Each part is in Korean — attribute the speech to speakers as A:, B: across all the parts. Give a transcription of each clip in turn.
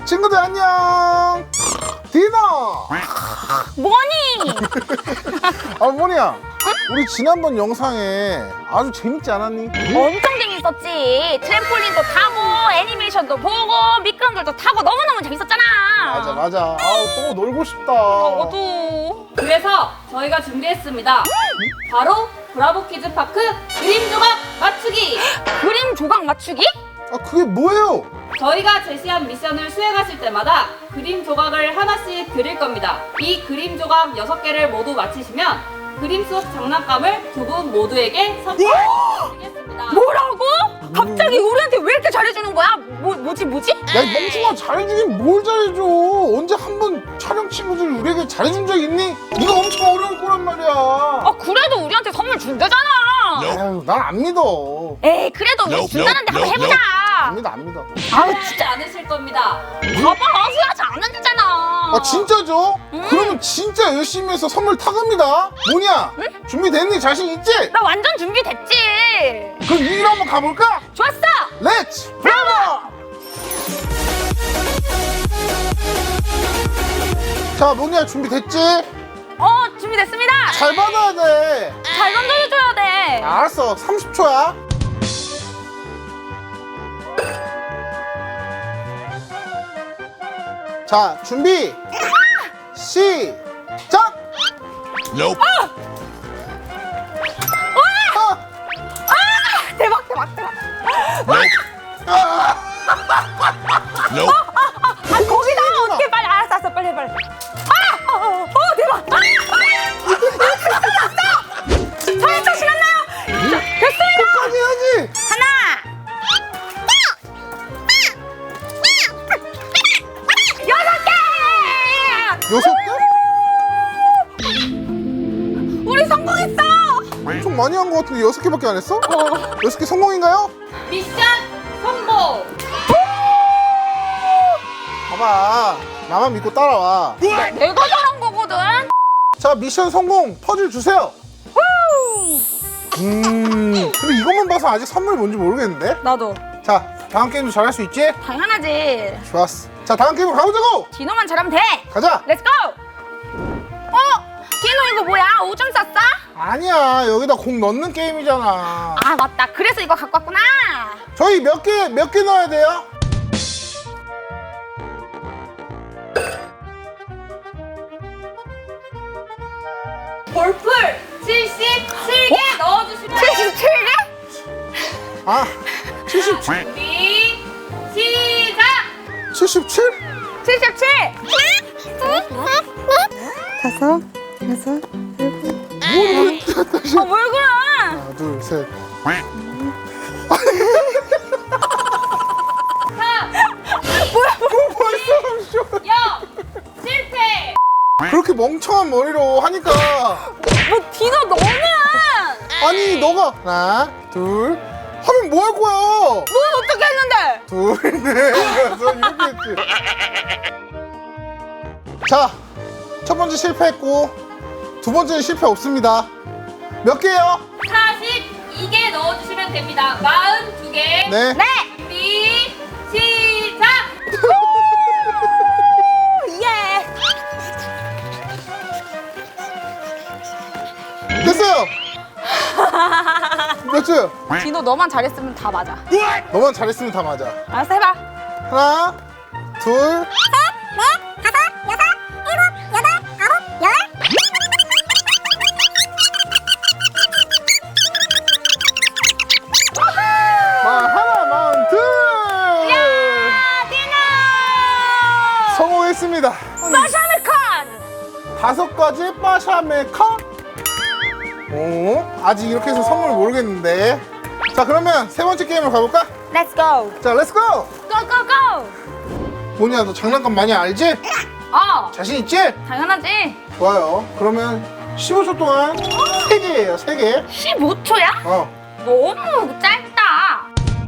A: 친구들 안녕. 디너.
B: 뭐니?
A: 아 뭐냐? 우리 지난번 영상에 아주 재밌지 않았니?
B: 엄청 재밌었지. 트램폴린도 타고 애니메이션도 보고 미끄럼들도 타고 너무너무 재밌었잖아.
A: 맞아. 아우 또 놀고 싶다.
B: 너도.
C: 그래서 저희가 준비했습니다. 바로 브라보 키즈파크 그림 조각 맞추기!
B: 그림 조각 맞추기?
A: 아 그게 뭐예요?
C: 저희가 제시한 미션을 수행하실 때마다 그림 조각을 하나씩 드릴 겁니다. 이 그림 조각 6개를 모두 맞히시면 그림 속 장난감을 두 분 모두에게 선물드리겠습니다.
B: 뭐라고? 갑자기 우리한테 왜 이렇게 잘해주는 거야? 뭐지?
A: 야 이 멍청아 잘해주긴 뭘 잘해줘. 언제 한 번 촬영 친구들 우리에게 잘해준 적 있니? 이거 엄청 어려울 거란 말이야.
B: 아 그래도 우리한테 선물 준대잖아.
A: 아유 난 안 믿어.
B: 에이 그래도 우리 준다는데 한번 해보자.
A: 안 믿어.
C: 아우 진짜 않으실 겁니다.
B: 봐봐 후회하지 않는다잖아.
A: 아 진짜죠? 그러면 진짜 열심히 해서 선물 타갑니다. 뭐냐? 준비됐니? 자신 있지?
B: 나 완전 준비됐지.
A: 그럼 이기로 한번 가볼까?
B: 좋았어.
A: 렛츠 브라보! 자 뭐냐 준비됐지?
B: 준비됐습니다.
A: 잘 받아야 돼.
B: 잘 던져줘야 돼.
A: 알았어 30초야. 자 준비 시작.
D: Nope.
B: 대박.
D: Nope.
B: 거기다 어떻게 빨리 알았어 빨리. 대박. 살짝 시간나요? 됐습니다.
A: 끝까지 해야지.
B: 하나. 여섯 개.
A: 6개?
B: 우리 성공했어.
A: 엄청 많이 한 거 같은데 6개밖에 안 했어? 6개 성공인가요?
C: 미션 성공!
A: 봐봐 나만 믿고 따라와.
B: 내가 잘한 거거든.
A: 자 미션 성공. 퍼즐 주세요. 근데 이것만 봐서 아직 선물이 뭔지 모르겠는데?
B: 나도.
A: 자 다음 게임도 잘할 수 있지?
B: 당연하지.
A: 좋았어. 자 다음 게임으로 가보자고.
B: 디노만 잘하면 돼.
A: 가자.
B: 렛츠고. 디노 이거 뭐야? 오줌 쌌어?
A: 아니야 여기다 공 넣는 게임이잖아.
B: 아 맞다. 그래서 이거 갖고 왔구나.
A: 저희 몇 개 넣어야 돼요?
C: 볼풀 77개 넣어주시면
B: 77개?
A: 아 77?
C: 준비 시작!
A: 77?
B: 77.
A: 뭘 다시
B: 뭘 그래?
A: 하나 둘셋
C: 3, 2, 0 실패!
A: 그렇게 멍청한 머리로 하니까.
B: 뭐 디노 너는
A: 아니 너가 하나 둘 하면 뭐 할 거야?
B: 넌 어떻게 했는데?
A: 둘, 넷, 여섯 이렇게 했지. 자, 첫 번째 실패했고 두 번째는 실패 없습니다. 몇 개요?
C: 42개 넣어주시면 됩니다. 42개.
A: 네.
B: 네.
C: 준비 시작!
B: 예.
A: 됐어요. 몇 줄?
B: 디노 너만 잘했으면 다 맞아.
A: 너만 잘했으면 다 맞아.
B: 알았어 해봐.
A: 하나, 둘, 하나, 마흔, 둘.
B: 디노.
A: 성공했습니다.
B: 마샤메칸.
A: 5가지 빠샤메카? 오, 아직 이렇게 해서 선물 모르겠는데. 자, 그러면 세 번째 게임으로 가볼까?
B: Let's go.
A: 자, 렛츠고!
B: Go go go.
A: 뭐냐, 너 장난감 많이 알지? 자신 있지?
B: 당연하지.
A: 좋아요. 그러면 15초 동안 3개예요, 3개.
B: 15초야? 너무 짧다.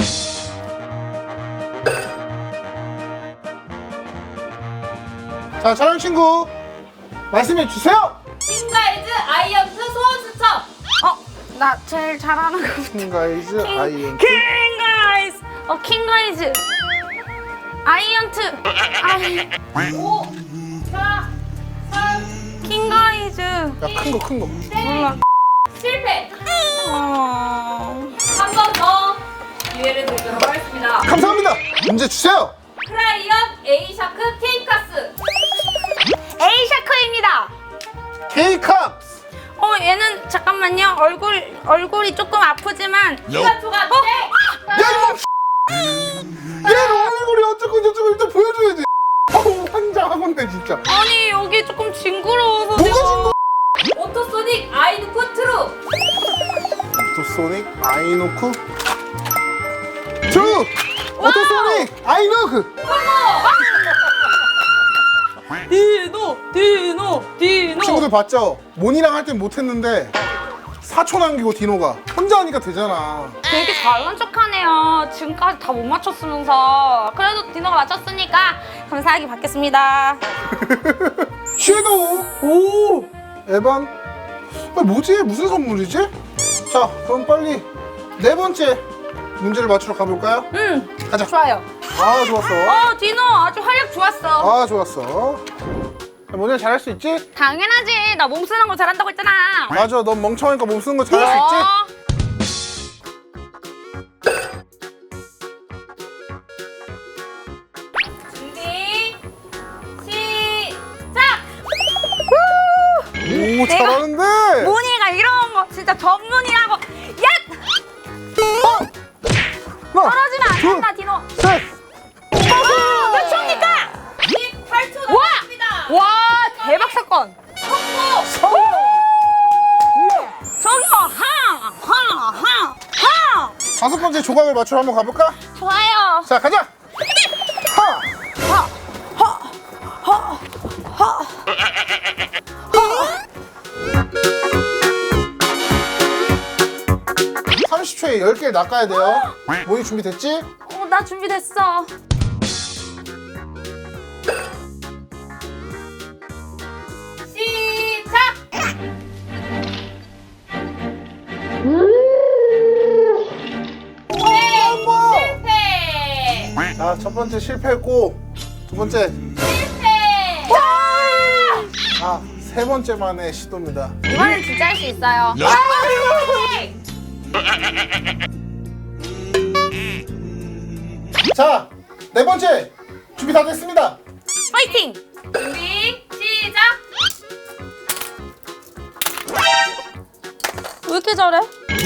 A: 자, 촬영 친구 말씀해 주세요.
C: 킹가이즈 아이언트 소원 수첩.
B: 나 제일 잘하는 거.
A: 킹가이즈 아이엔트.
B: 킹가이즈. 킹가이즈. 아이언트.
C: 5, 4, 3,
B: 킹가이즈.
A: 야, 큰 거.
B: 몰라.
C: 실패.
B: 어...
C: 한 번 더 기회를 드리도록 하겠습니다.
A: 감사합니다. 문제 주세요.
C: 크라이언 A샤크 K카스.
B: A샤크입니다.
A: K캅스.
B: 얘는 잠깐만요. 얼굴이 조금 아프지만.
C: 시간 초과 네.
A: 야, 이거 얘 얼굴이 어쩌고 저쩌고 일단 보여줘야지. 환장하건데 진짜.
B: 아니 여기 조금 징그러워서.
A: 뭐가
B: 내가-
A: 징그러?
C: 오토소닉 아이누크 트루.
A: 오토소닉 아이노쿠 트루. 오토소닉 아이노크.
B: 디노.
A: 친구들 봤죠? 모니랑 할 땐 못했는데 4초 남기고 디노가 혼자 하니까 되잖아.
B: 되게 잘난 척하네요. 지금까지 다 못 맞췄으면서. 그래도 디노가 맞췄으니까 감사하게 받겠습니다.
A: 섀도우. 오, 에반. 뭐지? 무슨 선물이지? 자, 그럼 빨리 네 번째 문제를 맞추러 가볼까요? 가자.
B: 좋아요.
A: 아, 좋았어.
B: 디노 아주 활약 좋았어.
A: 아, 좋았어. 모니야 잘할 수 있지?
B: 당연하지. 나 몸 쓰는 거 잘한다고 했잖아.
A: 맞아, 넌 멍청하니까 몸 쓰는 거 잘할 수 있지?
C: 준비 시작.
A: 오, 잘하는데?
B: 모니가 이런 거 진짜 전문이라고. 야!
A: 하나,
B: 떨어지면 안
A: 둘,
B: 된다, 디노.
A: 셋.
B: 몇 초입니까?
C: 18초
B: 와!
C: 남았습니다.
B: 와, 대박 사건.
C: 성공.
B: 저기요, 하!
A: 다섯 번째 조각을 맞추러 한번 가볼까?
B: 좋아요.
A: 자, 가자. 하. 30초에 10개를 낚아야 돼요. 모니 준비됐지?
B: 나 준비됐어.
C: 시작. 실패.
A: 자, 첫 번째 실패했고, 두 번째,
C: 실패.
A: 아, 세 번째만의 시도입니다.
B: 이번엔 진짜 할 수 있어요.
A: 자, 네 번째 준비 다 됐습니다.
B: 파이팅!
C: 준비 시작.
B: 왜 이렇게 잘해?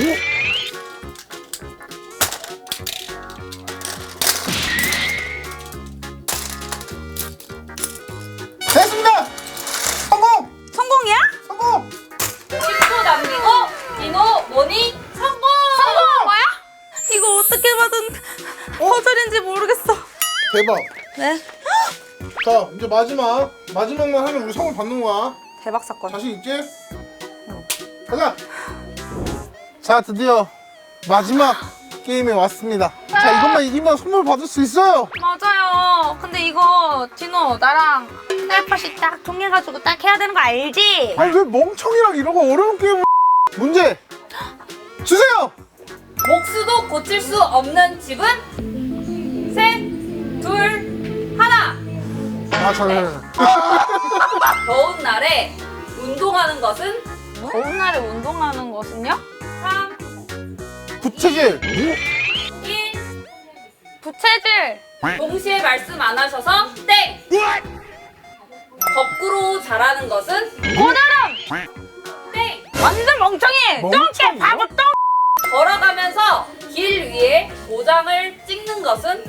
A: 됐습니다. 성공!
B: 성공이야?
A: 성공!
C: 10초 남기고 디노 모니 성공.
B: 성공한 거야? 이거 어떻게 받은 퍼즐인지 모르겠어.
A: 대박.
B: 네.
A: 자, 이제 마지막만 하면 우리 성을 받는 거야.
B: 대박 사건.
A: 자신 있지? 가자. 자, 드디어 마지막 게임에 왔습니다. 자, 이것만 이기면 선물 받을 수 있어요.
B: 맞아요. 근데 이거 디노 나랑 텔레파시 딱 통해가지고 딱 해야 되는 거 알지?
A: 아니 왜 멍청이랑 이런 거 어려운 게임을. 문제 주세요.
C: 목수도 고칠 수 없는 집은 셋, 둘, 하나.
A: 아, 잘.
C: 더운 날에 운동하는 것은
B: 더운 날에 운동하는 것은요?
C: 3,
A: 부채질.
C: 1.
B: 부채질.
C: 동시에 말씀 안 하셔서 땡. 거꾸로 자라는 것은
B: 고드름.
C: 땡.
B: 완전 멍청이.
A: 멍청이요?
B: 똥개 바보 똥.
C: 걸어가면서 길 위에 도장을 찍는 것은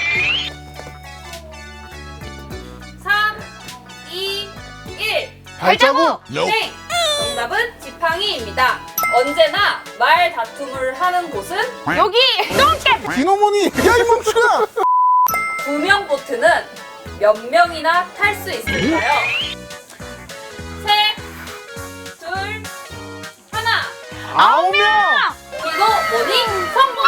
C: 3, 2, 1.
A: 발자국.
C: 땡! 정답은 지팡이입니다. 언제나 말 다툼을 하는 곳은
B: 여기 똥개.
A: 디노모니. 야, 이 멍청아.
C: 2명 보트는 몇 명이나 탈 수 있을까요? 셋, 둘, 하나.
A: 9명.
C: 디노 모니 성공!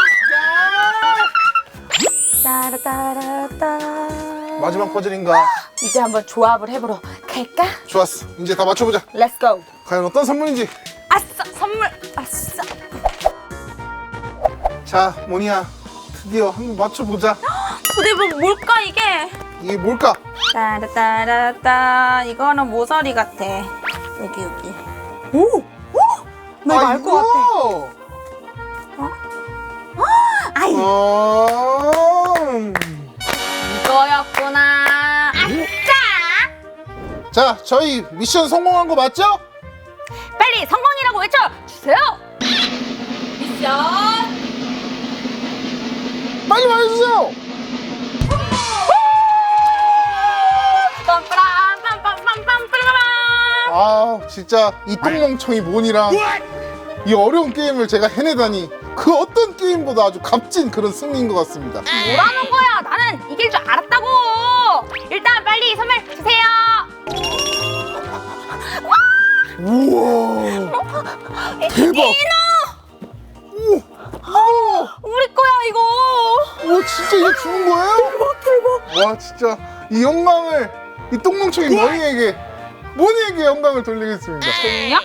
B: 따라따라따.
A: 마지막 퍼즐인가?
B: 이제 한번 조합을 해보러 갈까?
A: 좋았어. 이제 다 맞춰보자.
B: Let's go.
A: 과연 어떤 선물인지.
B: 아싸 선물. 아싸.
A: 자, 모니야. 드디어 한번 맞춰보자.
B: 근데 뭐 뭘까 이게?
A: 이게 뭘까?
B: 따라따라따 이거는 모서리 같아. 여기. 오! 나 이거 알 것 같아. 아이 이거였구나. 아싸!
A: 자, 저희 미션 성공한 거 맞죠?
B: 빨리 성공이라고 외쳐주세요.
C: 미션
A: 빨리 말해주세요. 아, 진짜 이 똥멍청이 몬이랑 이 어려운 게임을 제가 해내다니 그 어떤 게임보다 아주 값진 그런 승리인 것 같습니다.
B: 뭐라는 거야? 나는 이길 줄 알았다고. 일단 빨리 선물 주세요.
A: 우와, 대박.
B: 우리 거야 이거.
A: 와, 진짜 이거 주는 거예요? 대박. 와, 진짜 이 영광을 이 똥멍청이 모니에게 영광을 돌리겠습니다.
B: 좋냐?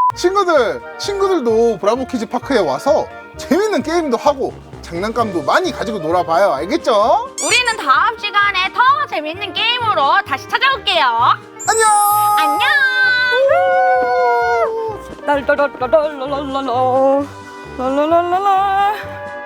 A: 친구들도 브라보 키즈 파크에 와서 재밌는 게임도 하고 장난감도 많이 가지고 놀아봐요. 알겠죠?
B: 우리는 다음 시간에 더 재밌는 게임으로 다시 찾아올게요.
A: 안녕!
B: 안녕. 랄랄랄랄랄랄랄랄랄랄랄랄랄랄.